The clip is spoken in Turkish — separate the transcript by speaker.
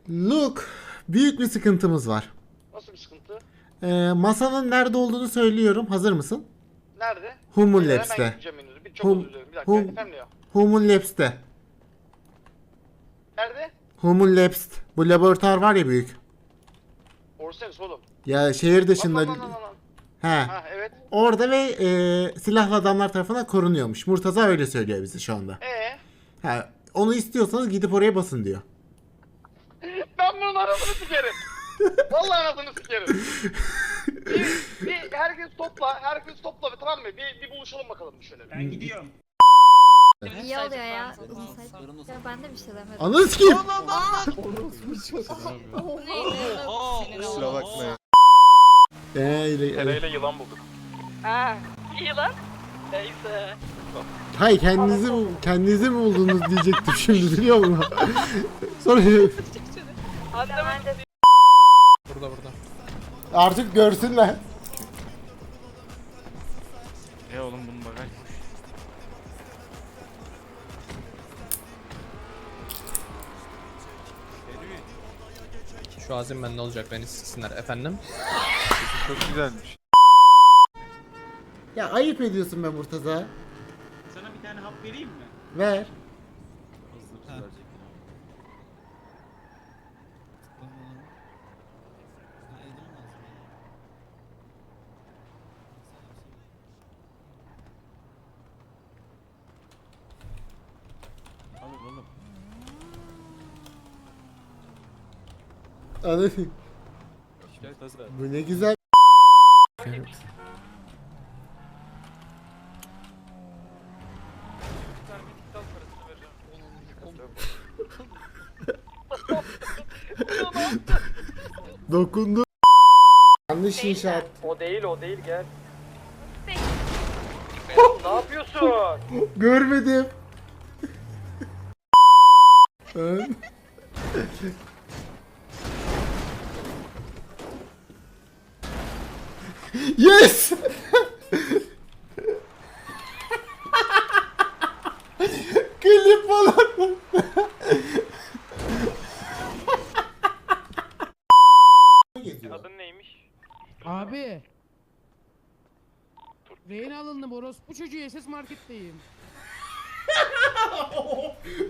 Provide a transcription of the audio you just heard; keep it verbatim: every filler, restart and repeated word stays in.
Speaker 1: Luke, büyük bir sıkıntımız var.
Speaker 2: Nasıl bir sıkıntı?
Speaker 1: Ee, masanın nerede olduğunu söylüyorum. Hazır mısın?
Speaker 2: Nerede?
Speaker 1: Human
Speaker 2: Beyler,
Speaker 1: Labs'te.
Speaker 2: Hemen gideceğim henüz. Bir çok
Speaker 1: Hum,
Speaker 2: özür dilerim. Bir dakika.
Speaker 1: hum,
Speaker 2: Efendim ya.
Speaker 1: Human Labs'te.
Speaker 2: Nerede?
Speaker 1: Human Labs. Bu laboratuvar var ya büyük.
Speaker 2: Orsens oğlum.
Speaker 1: Ya şehir dışında.
Speaker 2: Lan lan lan lan lan.
Speaker 1: He.
Speaker 2: Ha evet.
Speaker 1: Orada ve e, silahlı adamlar tarafından korunuyormuş. Murtaza öyle söylüyor bize şu anda.
Speaker 2: Ee,
Speaker 1: Ha, onu istiyorsanız gidip oraya basın diyor.
Speaker 2: ben bunun anasını sikerim. Vallahi anasını sikerim. bir, bir herkes topla, herkes topla tamam mı? Bir, bir buluşalım bakalım şöyle.
Speaker 3: Ben gidiyorum.
Speaker 4: İyi oluyor ya. Ya ben de bir şey demedim.
Speaker 1: Ananı sikeyim.
Speaker 5: Kusura bakmayın.
Speaker 1: Eee,
Speaker 2: Tereyle yılan bulduk.
Speaker 6: Ha, iyi lan. Neyse.
Speaker 1: hay kendinizi mi, kendinizi mi buldunuz diyecektim şimdi biliyor musun? Sonra
Speaker 6: Anlamadım.
Speaker 3: Burada burada.
Speaker 1: artık görsünler.
Speaker 5: E oğlum bunun bagaj boş.
Speaker 3: Şu azim ben ne olacak beni siksinler efendim.
Speaker 5: Çok güzelmiş.
Speaker 1: Ya ayıp ediyorsun be Murtaza.
Speaker 7: Sana bir tane hap vereyim mi?
Speaker 1: Ver. Anladın. Bu ne güzel. Dokundu. Yanlış inşaat.
Speaker 2: O değil o değil gel. Ne yapıyorsun?
Speaker 1: Görmedim. Ön. Yes! Klip falan.
Speaker 2: Adın neymiş?
Speaker 8: Abi. Rehin alındım orospu çocuğu S S marketteyim.